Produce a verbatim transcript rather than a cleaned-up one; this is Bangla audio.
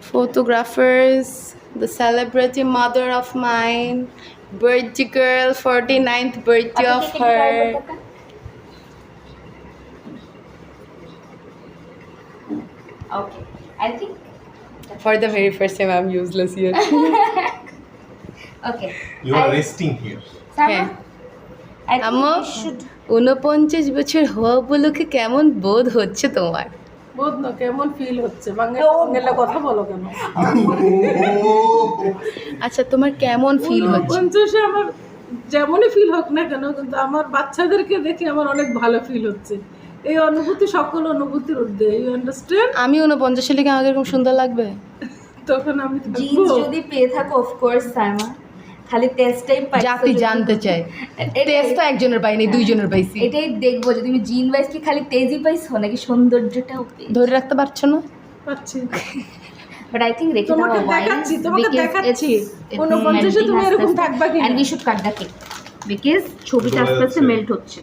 photographers, the celebrity mother of mine, birthday girl, forty-ninth birthday of her. Okay, I think. For the very first time, I'm useless here. Okay. You are I- resting here. Sama, I think আম্মু we should. ঊনপঞ্চাশ বছর হওয়া উপলক্ষে কেমন বোধ হচ্ছে তোমার? বোধ না কেমন ফিল হচ্ছে বাংলা বাংলা কথা বলো কেন আচ্ছা তোমার কেমন ফিল হচ্ছে? পঞ্চাশে আমার যেমনই ফিল হোক না কেন কিন্তু আমার বাচ্চাদেরকে দেখে আমার অনেক ভালো ফিল হচ্ছে এই অনুভূতি সকল অনুভূতির ঊর্ধ্বে ইউ আন্ডারস্ট্যান্ড আমি ঊনপঞ্চাশে লিখে আমাকে এরকম সুন্দর লাগবে? তখন আমি জিন্স যদি পেয়ে থাকো অফকোর্স সাইমা, খালি টেস্টটাই পাই। জাতি জানতে চাই, টেস্ট তো একজনের পাইনি, দুইজনের পাইছি। এটাই দেখবো যে তুমি জিন ওয়াইজ কি খালি তেজই পাইছো নাকি সৌন্দর্যটাও পেয়েছো। ধরে রাখতে পারছো না? পাচ্ছি বাট আই থিঙ্ক রেখে তোমাকে দেওয়া দেখাচ্ছি তোমাকে দেখাচ্ছি ঊনপঞ্চাশে তুমি এরকম থাকবা কি and we should cut the cake because ছবিটা আস্তে আস্তে মেল্ট হচ্ছে।